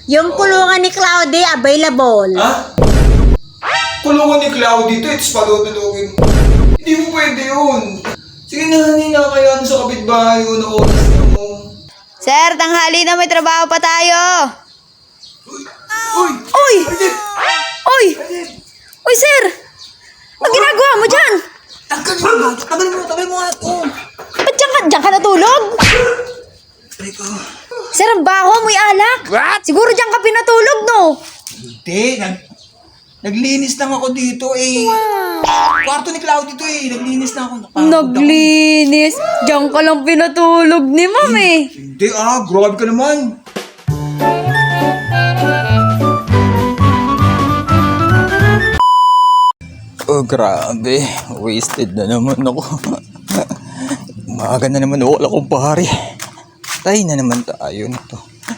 Yung kulungan ni Cloudy available. Ha? Kulungan ni Cloudy to, it's padudulugin. Hindi mo pwede yun. Sige na, hinakayaan sa kapitbahay ko na oras na mo. Sir, tanghali na, may trabaho pa tayo. Uy! Uy! Arnett! Uy! Uy, sir! Ang ginagawa mo dyan? Tagal mo nga ito. Ba't dyan ka natulog? Teka. Sir, ang baho, amoy alak. What? Siguro dyan ka pinatulog, no? Hindi, naglinis lang ako dito eh. Kwarto ni Cloudy to eh, naglinis lang ako. Naglinis. Diyan ka lang pinatulog ni ma'am eh. Hindi grabe ka naman. Oh, grabe. Wasted na naman ako. Umaga na naman wala akong pare. Tay na naman tayo nito.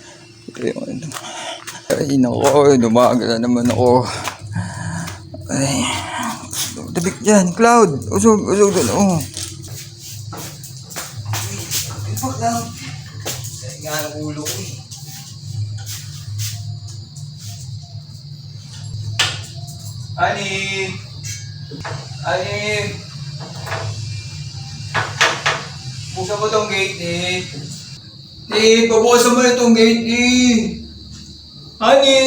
Ay, nako. Dumaga na naman ako. Ay. Tabik dyan, Cloud. Usog doon. Oh. Ay, fuck lang. Ay, nga ang ulo ko eh. Ani! Buksan mo tong gate, Nick. Pabukasan mo na tong gate, Honey!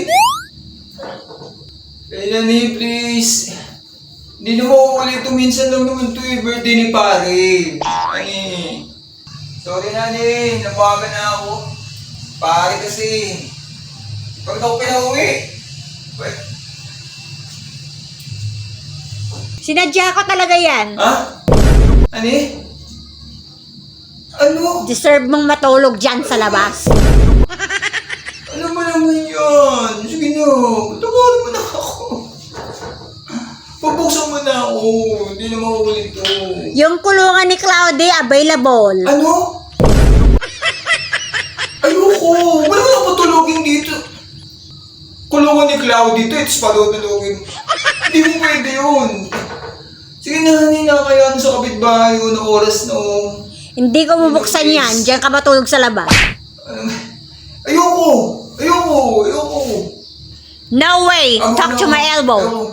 Kaya na, please. Hindi na mauulit ito. Minsan lang naman ito birthday ni pare. Honey. Sorry na, nabaga na ako. Pare kasi. Pag ako pinauwi. Sinadya ko talaga yan. Ha? Ano? Deserve mong matulog dyan sa labas. Ano ba naman yan? Sige na, tawarin mo na ako. Pabuksan mo na ako. Hindi na mauulit to. Yung kulungan ni Cloudy available. Ano? Ayoko. Wala na patulogin dito. Kulungan ni Cloudy to, it's padudulugin. Hindi mo pwede yun. Sige na, hinakayaan sa kapitbahay ko na oras na Hindi ko bubuksan yan. Diyan ka matulog sa labas. Ayoko. No way! Talk to my elbow.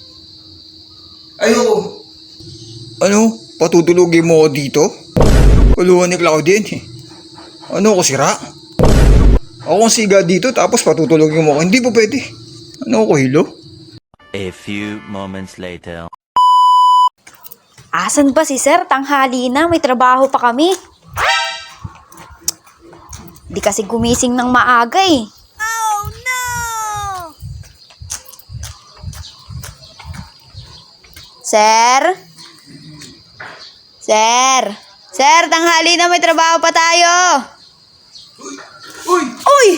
Ayoko. Ano? Patutulogin mo ako dito? Kulungan ni Claudine eh. Ano ako sira? Ako ang siga dito tapos patutulogin mo ako. Hindi po pwede. Ano ako hilo? A few moments later. Asan ba si sir? Tanghali na, may trabaho pa kami. Di kasi gumising ng maaga eh. Oh no! Sir? Sir, tanghali na, may trabaho pa tayo. Uy! Uy!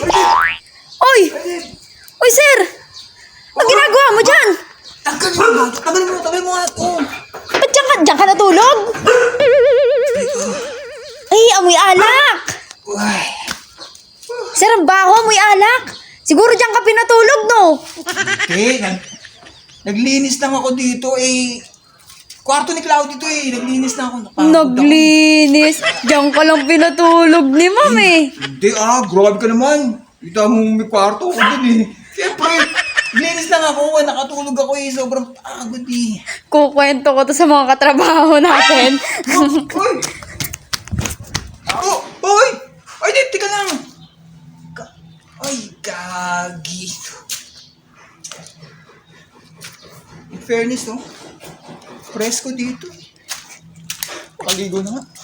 Uy, sir! Ang ginagawa mo dyan? Tagal mo nga ito. Ba't dyan ka natulog? Ay, amoy alak! Uy! Sir, ang baho, amoy alak. Siguro dyan ka pinatulog, no? Hindi, naglinis lang ako dito eh. Kwarto ni Cloudy to eh, naglinis lang ako. Naglinis. Diyan ka lang pinatulog ni ma'am eh. Hindi grabe ka naman. Kita mo may kwarto ko dun eh. Siyempre, naglinis lang ako, nakatulog ako eh, sobrang pagod eh. Kukwento ko to sa mga katrabaho natin. Uy! Uy! Ay, di, tika lang. Ay, gagi. In fairness, no? Presko dito. Makaligo na nga.